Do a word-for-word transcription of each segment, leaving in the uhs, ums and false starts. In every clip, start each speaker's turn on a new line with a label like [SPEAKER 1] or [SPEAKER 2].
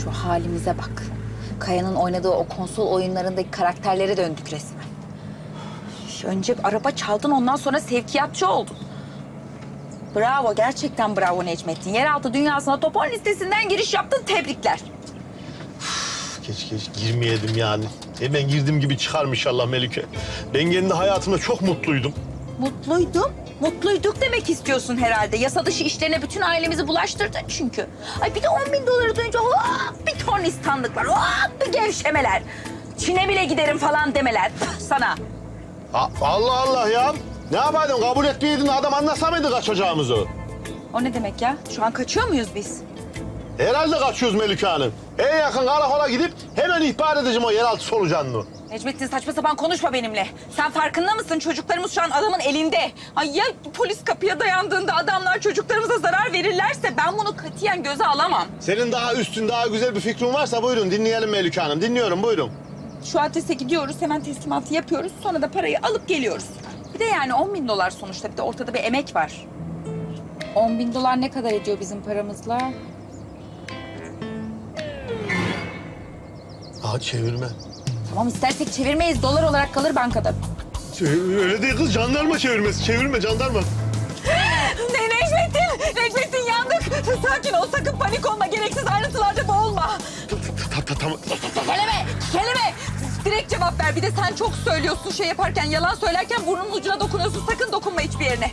[SPEAKER 1] Şu halimize bak. Kaya'nın oynadığı o konsol oyunlarındaki karakterlere döndük resmen. Önce araba çaldın, ondan sonra sevkiyatçı oldun. Bravo, gerçekten bravo Necmettin. Yeraltı dünyasına Topon listesinden giriş yaptın, tebrikler.
[SPEAKER 2] Keşke hiç girmeyedim yani. Hemen girdiğim gibi çıkarım inşallah Melike. Ben kendi hayatımda çok mutluydum.
[SPEAKER 1] Mutluydum. Mutluyduk demek istiyorsun herhalde. Yasa dışı işlerine bütün ailemizi bulaştırdın çünkü. Ay bir de on bin doları duyunca hop bir ton istandıklar, hop bir gevşemeler. Çin'e bile giderim falan demeler Püh, sana.
[SPEAKER 2] A- Allah Allah ya. Ne yapaydın? Kabul etmeyeydin, adam anlasa mıydı kaçacağımızı?
[SPEAKER 1] O ne demek ya? Şu an kaçıyor muyuz biz?
[SPEAKER 2] Herhalde kaçıyoruz Melike Hanım. En yakın karakola gidip hemen ihbar edeceğim o yeraltı solucanını.
[SPEAKER 1] Necmettin saçma sapan konuşma benimle. Sen farkında mısın? Çocuklarımız şu an adamın elinde. Ay ya polis kapıya dayandığında adamlar çocuklarımıza zarar verirlerse ben bunu katiyen göze alamam.
[SPEAKER 2] Senin daha üstün, daha güzel bir fikrin varsa buyurun dinleyelim Melike Hanım. Dinliyorum, buyurun.
[SPEAKER 1] Şu adrese gidiyoruz, hemen teslimatı yapıyoruz. Sonra da parayı alıp geliyoruz. Bir de yani on bin dolar sonuçta. Bir de ortada bir emek var. On bin dolar ne kadar ediyor bizim paramızla?
[SPEAKER 2] Aa, çevirme.
[SPEAKER 1] Tamam istersek çevirmeyiz. Dolar olarak kalır bankada.
[SPEAKER 2] Öyle değil kız, jandarma çevirmesi. Çevirme, jandarma.
[SPEAKER 1] Ne Necmettin? Necmettin yandık. Sakin ol, sakın panik olma. Gereksiz ayrıntılarda boğulma.
[SPEAKER 2] Tamam.
[SPEAKER 1] Kelime, kelime. Direkt cevap ver. Bir de sen çok söylüyorsun şey yaparken, yalan söylerken burnunun ucuna dokunuyorsun. Sakın dokunma hiçbir yerine.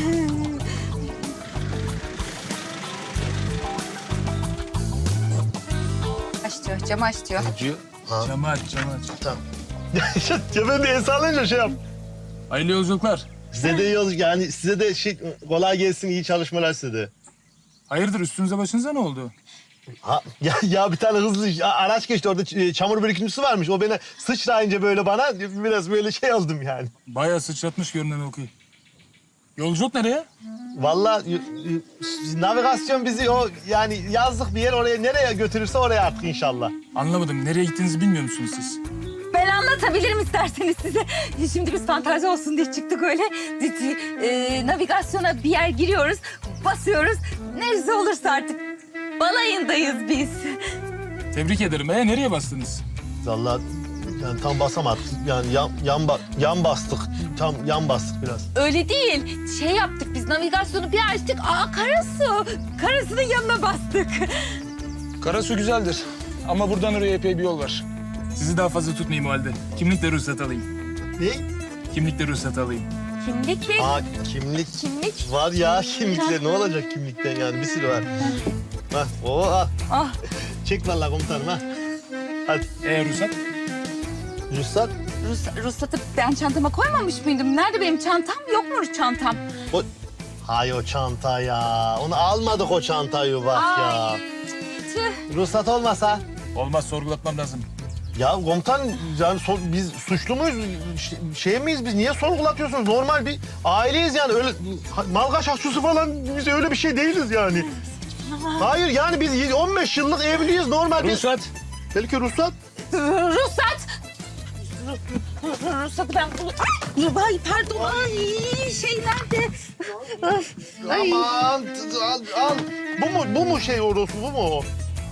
[SPEAKER 1] Aç diyor, camı aç diyor.
[SPEAKER 2] Diyor. Ha.
[SPEAKER 3] Camı aç, camı aç.
[SPEAKER 2] Tamam. Ya ben de el sallayınca şey yap.
[SPEAKER 3] Hayırlı yolculuklar.
[SPEAKER 2] Size de iyi olur yani, size de şey kolay gelsin, iyi çalışmalar size de.
[SPEAKER 3] Hayırdır, üstünüze başınıza ne oldu?
[SPEAKER 2] Ha, ya, ya bir tane hızlı ya, araç geçti orada, ç- çamur birikintisi varmış. O beni sıçrayınca böyle bana biraz böyle şey oldum yani.
[SPEAKER 3] Bayağı sıçratmış görünen okuyu. Yolculuk nereye?
[SPEAKER 2] Vallahi y- y- navigasyon bizi o yani yazlık bir yer, oraya nereye götürürse oraya artık inşallah.
[SPEAKER 3] Anlamadım, nereye gittiğinizi bilmiyor musunuz siz?
[SPEAKER 1] Ben anlatabilirim isterseniz size. Şimdi biz fantazi olsun diye çıktık öyle. Ee, navigasyona bir yer giriyoruz, basıyoruz. Neresi olursa artık. Balayındayız biz.
[SPEAKER 3] Tebrik ederim. Ee, nereye bastınız?
[SPEAKER 2] Vallahi yani tam basamadık. Yani yan, yan, ba- yan bastık. Tam yan bastık biraz.
[SPEAKER 1] Öyle değil. Şey yaptık biz, navigasyonu bir açtık. Aa Karasu. Karasu'nun yanına bastık.
[SPEAKER 3] Karasu güzeldir. Ama buradan oraya epey bir yol var. Sizi daha fazla tutmayayım o halde. Kimlikle ruhsat alayım.
[SPEAKER 2] Ne?
[SPEAKER 3] Kimlikle ruhsat alayım.
[SPEAKER 1] Kimlik mi?
[SPEAKER 2] Aa kimlik.
[SPEAKER 1] Kimlik.
[SPEAKER 2] Var ya kimlikte, ne olacak kimlikten yani, bir sürü var. Hah, oo al.
[SPEAKER 1] Ah.
[SPEAKER 2] Çek vallahi komutanım ha. Hadi.
[SPEAKER 3] Ee, ruhsat?
[SPEAKER 2] Ruhsat.
[SPEAKER 1] Rus, ruhsatı ben çantama koymamış mıydım? Nerede benim çantam? Yok mu çantam?
[SPEAKER 2] O... Hay o çanta ya. Onu almadık o çantayı bak ya.
[SPEAKER 1] Ay. Tüh.
[SPEAKER 2] Ruhsat olmasa.
[SPEAKER 3] Olmaz, sorgulatmam lazım.
[SPEAKER 2] Ya komutan yani so- biz suçlu muyuz? Ş- şey miyiz biz? Niye sorgulatıyorsunuz? Normal bir aileyiz yani. Öyle malgaş ahçısı falan, biz öyle bir şey değiliz yani. Hayır yani biz on beş yıllık evliyiz normal. bir-
[SPEAKER 3] Ruhsat.
[SPEAKER 2] Belki ruhsat.
[SPEAKER 1] Ruhsat. Ru- Ruhsatı ben... Ay, ay pardon. Ay şey nerede? Ay.
[SPEAKER 2] Aman t- al, al. Bu mu bu mu şey orası, bu mu o?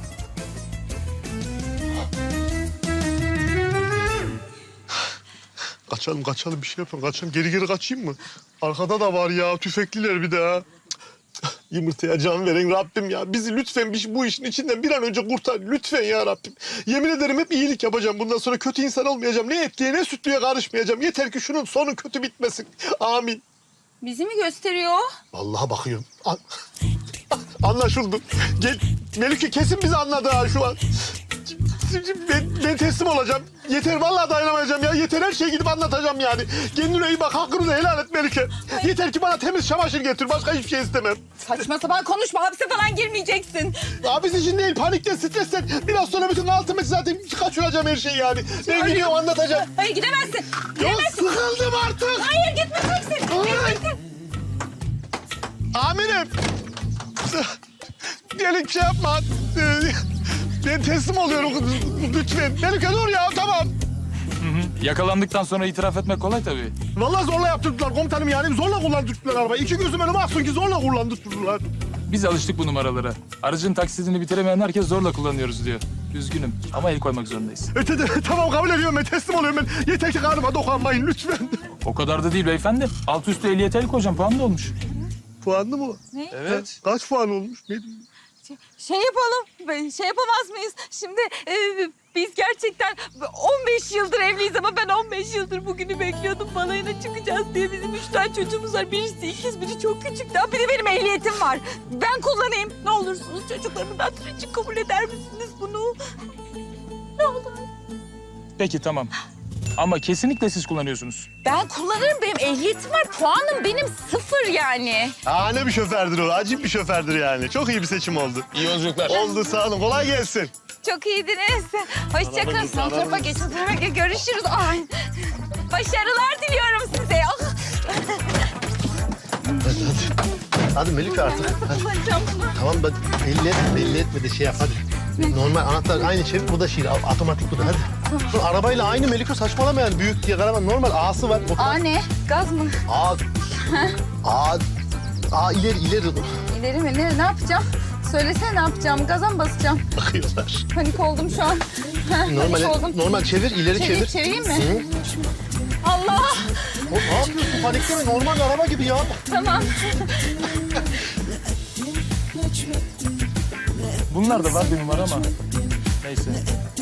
[SPEAKER 2] Kaçalım kaçalım, bir şey yapalım. Kaçalım, geri geri kaçayım mı? Arkada da var ya, tüfekliler bir de ha. Yumurtaya can veren Rabbim ya. Bizi lütfen bir- bu işin içinden bir an önce kurtar. Lütfen ya Rabbim. Yemin ederim hep iyilik yapacağım. Bundan sonra kötü insan olmayacağım. Ne etliye ne sütlüye karışmayacağım. Yeter ki şunun sonu kötü bitmesin. Amin.
[SPEAKER 1] Bizi mi gösteriyor?
[SPEAKER 2] Vallahi bakıyorum. An- Anlaşıldı. Gel, Melike kesin bizi anladı ha şu an. Ben, ben teslim olacağım. Yeter, vallahi dayanamayacağım ya. Yeter, her şeyi gidip anlatacağım yani. Kendine iyi bak, hakkını da helal et Melike. Yeter ki bana temiz çamaşır getir. Başka hiçbir şey istemem.
[SPEAKER 1] Saçma sapan konuşma. Hapse falan girmeyeceksin.
[SPEAKER 2] Abisi için değil, panikten, stresten. Biraz sonra bütün altımı zaten kaçıracağım her şeyi yani. Ben gidiyorum, anlatacağım.
[SPEAKER 1] Hayır gidemezsin.
[SPEAKER 2] Ya
[SPEAKER 1] Gidemezsin.
[SPEAKER 2] sıkıldım artık.
[SPEAKER 1] Hayır gitmeyeceksin. Gitmeyeceksin.
[SPEAKER 2] Amirim. Diyelim şey yapma. Ee, Ben teslim oluyorum lütfen. Melike dur ya, tamam.
[SPEAKER 3] Yakalandıktan sonra itiraf etmek kolay tabii.
[SPEAKER 2] Vallahi zorla yaptırdılar komutanım yani. Zorla kullandırdılar arabayı. İki gözüm önüme aksın ki zorla kullandırdılar.
[SPEAKER 3] Biz alıştık bu numaralara. Aracın taksidini bitiremeyen herkes zorla kullanıyoruz diyor. Üzgünüm ama el koymak zorundayız.
[SPEAKER 2] Öte de, tamam kabul ediyorum ben teslim oluyorum ben. Yeter ki karnıma dokunmayın lütfen.
[SPEAKER 3] O kadar da değil beyefendi. Alt üstü ehliyet el koyacağım. Puan da olmuş.
[SPEAKER 2] Puanlı mı?
[SPEAKER 1] Ne?
[SPEAKER 3] Evet.
[SPEAKER 2] Kaç puan olmuş? Ne diyeyim?
[SPEAKER 4] Şey yapalım, be- şey yapamaz mıyız? Şimdi e, biz gerçekten on beş yıldır evliyiz ama ben on beş yıldır bugünü bekliyordum. Balayına çıkacağız diye bizim üç tane çocuğumuz var. Birisi ikiz, biri çok küçük. Daha bir de benim ehliyetim var. Ben kullanayım. Ne olursunuz çocuklarımın hatırı için kabul eder misiniz bunu? Ne olur.
[SPEAKER 3] Peki tamam. Ama kesinlikle siz kullanıyorsunuz.
[SPEAKER 1] Ben kullanırım. Benim ehliyetim var. Puanım benim sıfır yani.
[SPEAKER 2] Aa ne bir şofördür o. Acip bir şofördür yani. Çok iyi bir seçim oldu.
[SPEAKER 3] İyi yolculuklar.
[SPEAKER 2] Oldu sağ olun. Kolay gelsin.
[SPEAKER 4] Çok iyiydiniz. Hoşçakalın.
[SPEAKER 2] Arabamız,
[SPEAKER 4] Son tarafa
[SPEAKER 2] arabamız.
[SPEAKER 4] geçin. Tarafa geç. Görüşürüz. Ay. Başarılar diliyorum size. Ah.
[SPEAKER 5] Hadi Melike artık. Hadi.
[SPEAKER 4] Kullanacağım bunu.
[SPEAKER 5] Tamam ben belli etme, belli etme de şey yap hadi. Normal anahtar aynı çevir, bu da şey, otomatik bu da hadi. Bu arabayla aynı Melike saçmalama yani büyük diye karavan normal A'sı var.
[SPEAKER 4] Aa
[SPEAKER 5] Otomatik.
[SPEAKER 4] ne? Gaz mı?
[SPEAKER 5] A. A. A ileri ileri.
[SPEAKER 4] İleri mi? Ne, ne yapacağım? Söylesene ne yapacağım? Gaza mı basacağım?
[SPEAKER 5] Bakıyorlar.
[SPEAKER 4] Panik oldum şu an. Heh,
[SPEAKER 5] Normal,
[SPEAKER 4] panik oldum.
[SPEAKER 5] normal çevir, ileri
[SPEAKER 4] Çevir-
[SPEAKER 5] çevir.
[SPEAKER 4] çevireyim mi?
[SPEAKER 5] Hı.
[SPEAKER 4] Allah!
[SPEAKER 5] O, ne yapıyorsun? Panikleme, normal araba gibi ya.
[SPEAKER 4] Tamam.
[SPEAKER 3] Bunlar da var bir numara ama. Neyse.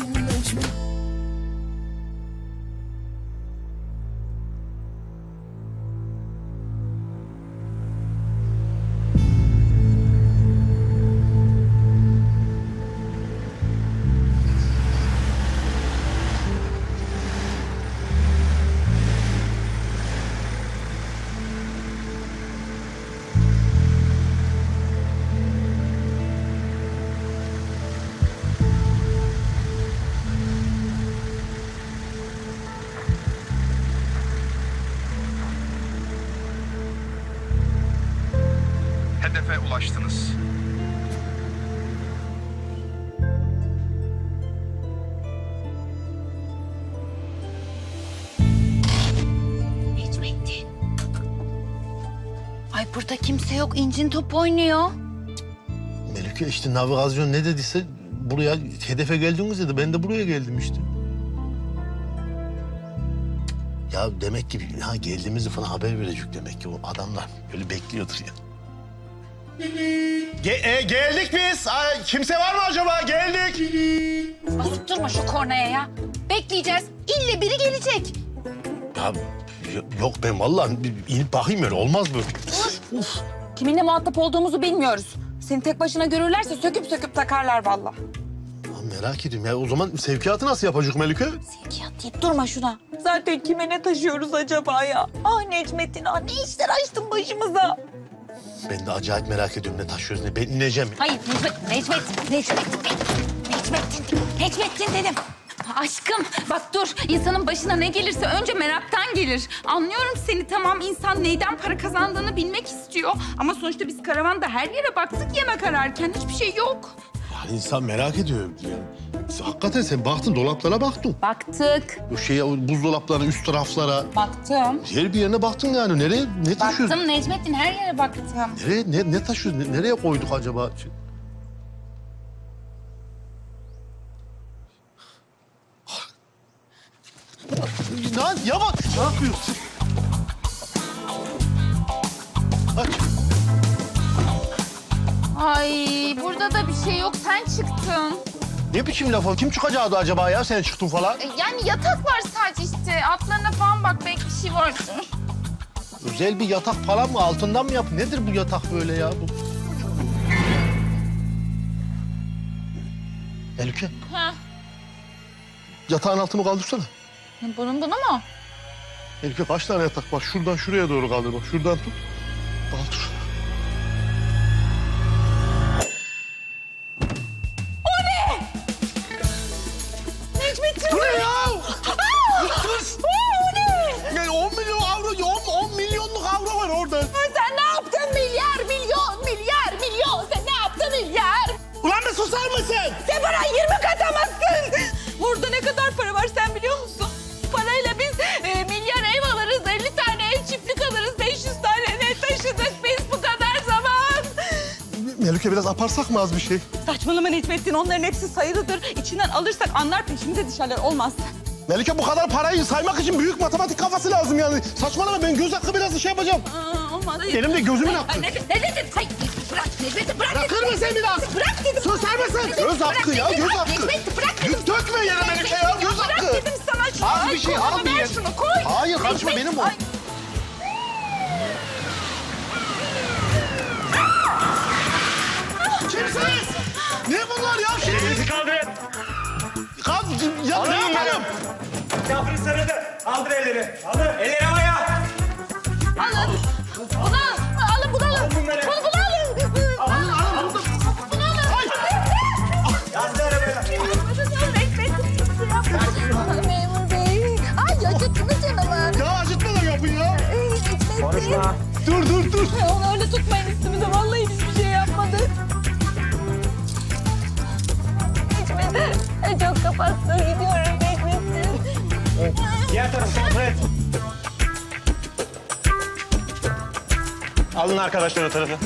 [SPEAKER 6] Hedefe ulaştınız.
[SPEAKER 1] Necmettin. Ay burada kimse yok. İncin top oynuyor.
[SPEAKER 5] Melike işte navigasyon ne dediyse buraya hedefe geldiniz dedi. Ben de buraya geldim işte. Ya demek ki ha geldiğimizi falan haber verecek demek ki o adamlar böyle bekliyordur ya.
[SPEAKER 2] Ge- e, geldik biz. Ay, kimse var mı acaba? Geldik.
[SPEAKER 1] Basıp durma şu kornaya ya. Bekleyeceğiz. İlle biri gelecek.
[SPEAKER 5] Ya y- yok ben vallahi bir inip bakayım öyle olmaz böyle.
[SPEAKER 1] Kiminle muhatap olduğumuzu bilmiyoruz. Seni tek başına görürlerse söküp söküp takarlar vallahi.
[SPEAKER 5] Ya merak ediyorum ya o zaman sevkiyatı nasıl yapacak Melike?
[SPEAKER 1] Sevkiyat deyip durma şuna.
[SPEAKER 4] Zaten kime ne taşıyoruz acaba ya? Ah Necmettin, ah ne işler açtın başımıza.
[SPEAKER 5] Ben de acayip merak ediyorum ne taşıyoruz ne. Ben ineceğim.
[SPEAKER 1] Hayır Necmet, Necmet, Necmettin dedim. Necmettin, Necmettin dedim. Aşkım bak dur insanın başına ne gelirse önce meraktan gelir. Anlıyorum seni tamam insan neyden para kazandığını bilmek istiyor. Ama sonuçta biz karavanda her yere baktık yemek ararken hiçbir şey yok.
[SPEAKER 5] Yani insan merak ediyor. Yani, hakikaten sen baktın dolaplara baktın.
[SPEAKER 1] Baktık.
[SPEAKER 5] O şeye o buzdolaplarına üst taraflara.
[SPEAKER 1] Baktım.
[SPEAKER 5] Her bir yerine baktın yani. Nereye ne taşıyoruz?
[SPEAKER 1] Baktım Necmettin her yere baktım.
[SPEAKER 5] Nereye ne, ne taşıyoruz? Ne- nereye koyduk acaba? Lan yavaş. Ne yapıyorsun? Aç.
[SPEAKER 4] Ay burada da bir şey yok, sen çıktın.
[SPEAKER 5] Ne biçim laf o? Kim çıkacaktı acaba ya sen çıktın falan?
[SPEAKER 4] E, Yani yatak var sadece işte. Altlarına falan bak belki bir şey vardır.
[SPEAKER 5] Özel bir yatak falan mı? Altından mı yap? Nedir bu yatak böyle ya? Bu... Melike.
[SPEAKER 4] Ha.
[SPEAKER 5] Yatağın altını kaldırsana.
[SPEAKER 4] Bunun bunu mu?
[SPEAKER 2] Melike kaç tane yatak? Bak şuradan şuraya doğru kaldır. Bak şuradan tut. Kaldır.
[SPEAKER 4] Necmettin.
[SPEAKER 5] Bu ne ya? Kız! Ne? on milyon avro, on, on milyonluk avro var orada.
[SPEAKER 4] Sen ne yaptın milyar, milyon, milyar, milyon? Sen ne yaptın milyar?
[SPEAKER 5] Ulan bir susar mısın?
[SPEAKER 4] Sen bana yirmi katamazsın. Burada ne kadar para var sen biliyor musun? Parayla biz e, milyar ev alırız, elli tane ev çiftlik alırız, beş yüz tane ne taşıdık biz bu kadar zaman.
[SPEAKER 2] Melike biraz aparsak mı az bir şey?
[SPEAKER 4] Saçmalama Necmettin, onların hepsi sayılıdır. İçinden alırsak anlar, peşimize düşerler, olmaz.
[SPEAKER 5] Melike bu kadar parayı saymak için büyük matematik kafası lazım yani. Saçmalama ben göz hakkı biraz şey yapacağım.
[SPEAKER 4] Aa, olmaz.
[SPEAKER 5] Elimde gözümün hakkı.
[SPEAKER 4] Ay, Necmettin, Necmettin, hayır, bırak Necmettin, bırak.
[SPEAKER 5] Bırakır mısın biraz?
[SPEAKER 4] Bırak dedim.
[SPEAKER 5] Susar mısın? Göz hakkı ya, göz hakkı.
[SPEAKER 4] Necmettin, bırak dedim.
[SPEAKER 5] Dök- Dökme yere Melike ya, göz hakkı.
[SPEAKER 4] Bırak dedim sana şunu.
[SPEAKER 5] Az
[SPEAKER 4] Ay,
[SPEAKER 5] bir şey,
[SPEAKER 4] koy,
[SPEAKER 5] al bir
[SPEAKER 4] ver
[SPEAKER 5] yer.
[SPEAKER 4] şunu, koy.
[SPEAKER 5] Hayır, karışma,
[SPEAKER 4] Necmettin,
[SPEAKER 5] benim o.
[SPEAKER 4] ay.
[SPEAKER 5] Kimsiniz? Ne bunlar ya?
[SPEAKER 6] Elinizi kaldırın.
[SPEAKER 5] Kaz, ya ne yapalım?
[SPEAKER 6] Yapın sarıldı. Kaldır elleri. Kaldır. Elleri havaya.
[SPEAKER 4] Alın. Bunu al. Alın bunu alın.
[SPEAKER 6] bunları.
[SPEAKER 4] Bunu bunu alın.
[SPEAKER 5] Alın, alın, burada.
[SPEAKER 4] Bunu alın.
[SPEAKER 6] Yazdı arabaya.
[SPEAKER 4] Memur bey. Ay acıttınız canımı.
[SPEAKER 5] Ya acıtmadan yapın ya.
[SPEAKER 6] Konuşma.
[SPEAKER 5] Dur, dur, dur.
[SPEAKER 4] Onu öyle tutmayın üstümüze. Vallahi biz bir şey yapmadık. Necmettin. Çok kapattı. Gidiyorum Necmettin.
[SPEAKER 6] Diğer tarafı kontrol et. Alın arkadaşlar o tarafı.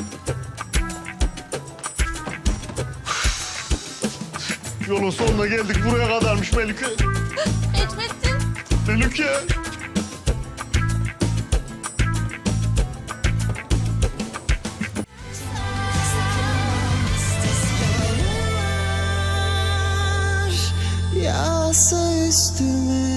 [SPEAKER 2] Yolun sonuna geldik. Buraya kadarmış Melike.
[SPEAKER 4] Necmettin.
[SPEAKER 2] Melike.
[SPEAKER 7] Yağsa üstüme